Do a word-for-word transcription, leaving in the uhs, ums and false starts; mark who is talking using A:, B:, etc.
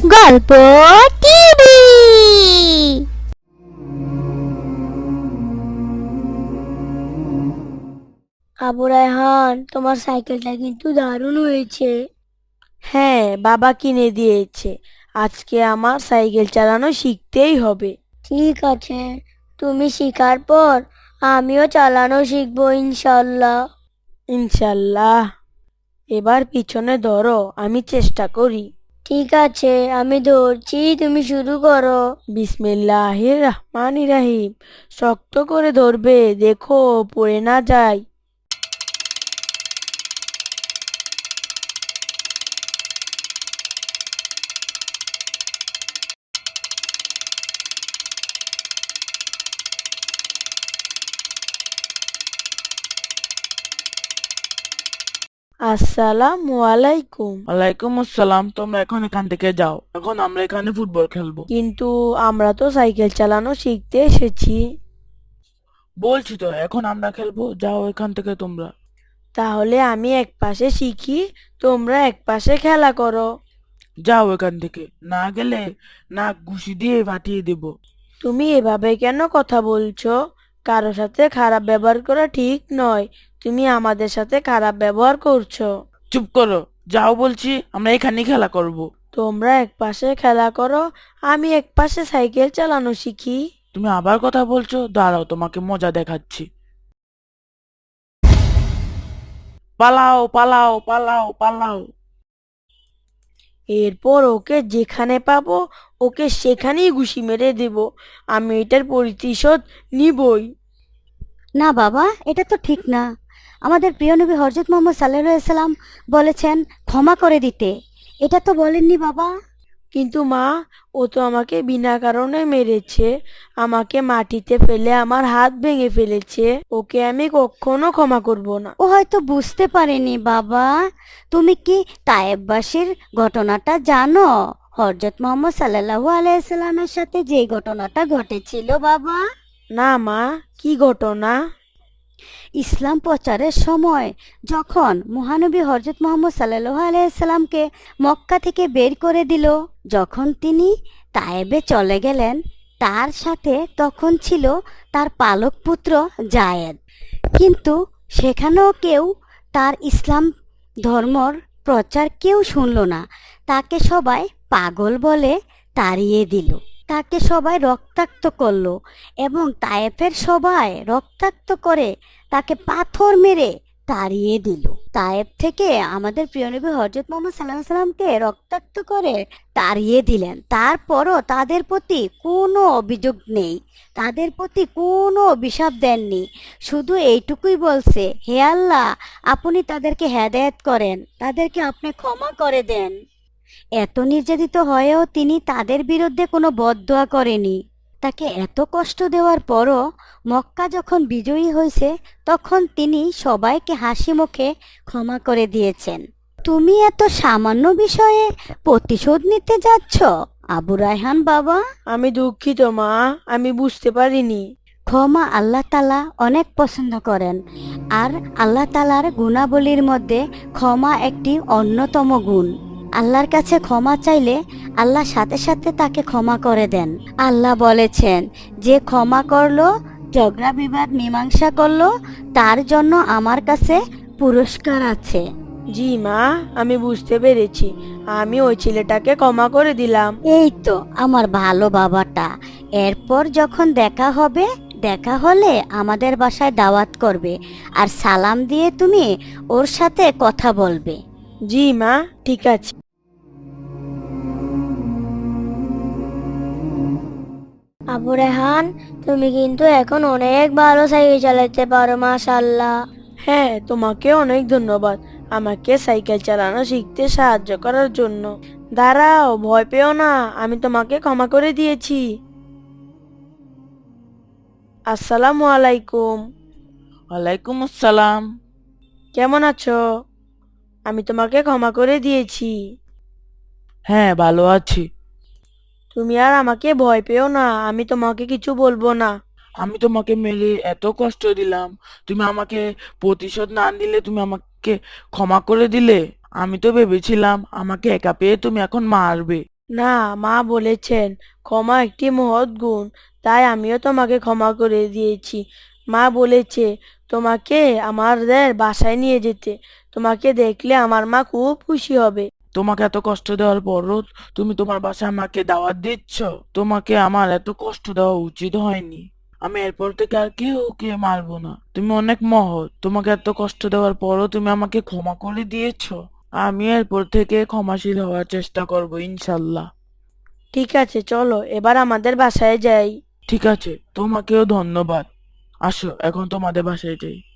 A: গল্প টিভি। আবু রায়হান, তোমার সাইকেলটা কিন্তু দারুণ হয়েছে।
B: হ্যাঁ, বাবা কিনে দিয়েছে। আজকে আমার সাইকেল চালানো শিখতেই হবে।
A: ঠিক আছে, তুমি শিখার পর আমিও চালানো শিখবো ইনশাল্লাহ।
B: ইনশাল্লাহ। এবার পিছনে ধরো, আমি চেষ্টা করি।
A: ঠিক আছে, আমি ধরছি, তুমি শুরু করো।
B: বিসমিল্লাহির রহমানির রহিম। শক্ত করে ধরবে, দেখো পড়ে না যায়। আসসালামু আলাইকুম।
C: ওয়ালাইকুম আসসালাম। তোমরা এখন এখান থেকে যাও, এখন আমরা এখানে ফুটবল খেলবো।
B: কিন্তু আমরা তো সাইকেল চালানো শিখতে এসেছি।
C: বলছি তো এখন আমরা খেলবো, যাও এখান থেকে তোমরা।
B: তাহলে আমি এক পাশে শিখি, তোমরা এক পাশে খেলা করো।
C: যাও এখান থেকে, না গেলে নাক ঘুষি দিয়ে ফাটিয়ে দেব।
B: তুমি এভাবে কেন কথা বলছো? কারো সাথে খারাপ ব্যবহার করা ঠিক নয়। তুমি আমাদের সাথে খারাপ ব্যবহার করছো।
C: চুপ করো, যাও বলছি, আমরা এখানেই খেলা করব।
B: তোমরা এক পাশে খেলা করো, আমি এক পাশে সাইকেল চালানো শিখি।
C: তুমি আবার কথা বলছো, দাঁড়াও তোমাকে মজা দেখাচ্ছি। পালাও পালাও পালাও পালাও।
B: এরপর ওকে যেখানে পাবো, ওকে সেখানেই ঘুষি মেরে দেব। আমি এটার প্রতিশোধ নিবই।
D: না বাবা, এটা তো ঠিক না। আমাদের প্রিয় নবী হযরত মুহাম্মদ সাল্লাল্লাহু আলাইহি সাল্লাম বলেছেন ক্ষমা করে দিতে। এটা তো বলেননি বাবা।
B: কিন্তু মা, ও তো আমাকে বিনা কারণে মেরেছে। আমাকে মাটিতে ফেলে আমার হাত ভেঙে ফেলেছে। ওকে আমি কখনো ক্ষমা করব না।
D: ও হয়তো বুঝতে পারেনি বাবা। তুমি কি তায়েববাসীর ঘটনাটা জানো? হযরত মুহাম্মদ সাল্লাল্লাহু আলাইহি সাল্লামের সাথে যে ঘটনাটা ঘটেছিল বাবা।
B: না মা, কি ঘটনা?
D: ইসলাম প্রচারের সময় যখন মহানবী হযরত মুহাম্মদ সাল্লাল্লাহু আলাইহি সাল্লামকে মক্কা থেকে বের করে দিল, যখন তিনি তায়েবে চলে গেলেন, তার সাথে তখন ছিল তার পালক পুত্র জায়েদ। কিন্তু সেখানেও কেউ তার ইসলাম ধর্মর প্রচার কেউ শুনল না। তাকে সবাই পাগল বলে তাড়িয়ে দিল। তাকে সবাই রক্তাক্ত করলো এবং তায়েফের সবাই রক্তাক্ত করে তাকে পাথর মেরে তাড়িয়ে দিল। তায়েফ থেকে আমাদের প্রিয় নবী হযরত মুহাম্মদ সাল্লাল্লাহু আলাইহি সাল্লামকে রক্তাক্ত করে তাড়িয়ে দিলেন। তারপরও তাদের প্রতি কোনো অভিযোগ নেই, তাদের প্রতি কোনো অভিশাপ দেননি। শুধু এইটুকুই বলছে, হে আল্লাহ, আপনি তাদেরকে হেদায়েত করেন, তাদেরকে আপনি ক্ষমা করে দেন। এত নির্যাতিত হয়েও তিনি তাদের বিরুদ্ধে কোনো বদদোয়া করেনি। তাকে এত কষ্ট দেওয়ার পরও মক্কা যখন বিজয়ী হয়েছে, তখন তিনি সবাইকে হাসি মুখে ক্ষমা করে দিয়েছেন। তুমি এত সামান্য বিষয়ে প্রতিশোধ নিতে যাচ্ছ আবু রায়হান বাবা?
B: আমি দুঃখিত মা, আমি বুঝতে পারিনি।
D: ক্ষমা আল্লাহ তাআলা অনেক পছন্দ করেন, আর আল্লাহ তাআলার গুণাবলীর মধ্যে ক্ষমা একটি অন্যতম গুণ। আল্লাহর কাছে ক্ষমা চাইলে আল্লাহ সাথে সাথে তাকে ক্ষমা করে দেন। আল্লাহ বলেছেন, যে ক্ষমা করলো, ঝগড়া বিবাদ মীমাংসা করলো, তার জন্য আমার কাছে পুরস্কার আছে।
B: জি মা, আমি বুঝতে পেরেছি। আমি ওই ছেলেটাকে ক্ষমা করে দিলাম।
D: এই তো আমার ভালো বাবাটা। এরপর যখন দেখা হবে, দেখা হলে আমাদের বাসায় দাওয়াত করবে, আর সালাম দিয়ে তুমি ওর সাথে কথা বলবে।
B: জি মা, ঠিক আছে।
A: আবু রেহান, তুমি কিন্তু এখন অনেক ভালো সাইকেল চালাতে পারো, মাশাআল্লাহ।
B: হ্যাঁ, তোমাকে অনেক ধন্যবাদ আমাকে সাইকেল চালানো শিখতে সাহায্য করার জন্য। দাঁড়াও, ভয় পেও না, আমি তোমাকে ক্ষমা করে দিয়েছি। আসসালামু আলাইকুম।
C: ওয়ালাইকুম আসসালাম।
B: কেমন আছো? আমি তোমাকে ক্ষমা করে দিয়েছি।
C: হ্যাঁ, ভালো আছি।
B: তুমি আর আমাকে ভয় পেও না, আমি তোমাকে কিছু বলবো না।
C: আমি তোমাকে মেরে এত কষ্ট দিলাম, তুমি আমাকে প্রতিশোধ না দিলে, তুমি আমাকে ক্ষমা করে দিলে। আমি তো ভেবেছিলাম আমাকে একা পেয়ে তুমি এখন মারবে।
B: না, মা বলেছেন ক্ষমা একটি মহৎ গুণ, তাই আমিও তোমাকে ক্ষমা করে দিয়েছি। মা বলেছে তোমাকে আমাদের বাসায় নিয়ে যেতে, তোমাকে দেখলে আমার মা খুব খুশি হবে।
C: তোমাকে এত কষ্ট দেওয়ার পরও তুমি তোমার বাসায় আমাকে দাওয়াত দিচ্ছ? তোমাকে আমার এত কষ্ট দেওয়া উচিত হয়নি। আমি এরপর থেকে আর কেউ কে মারবো না। তুমি অনেক মহৎ, তোমাকে এত কষ্ট দেওয়ার পরও তুমি আমাকে ক্ষমা করে দিয়েছো। আমি এরপর থেকে ক্ষমাশীল হওয়ার চেষ্টা করবো ইনশাল্লাহ।
B: ঠিক আছে, চলো এবার আমাদের বাসায় যাই।
C: ঠিক আছে, তোমাকেও ধন্যবাদ। আসো এখন তোমাদের বাসায় যাই।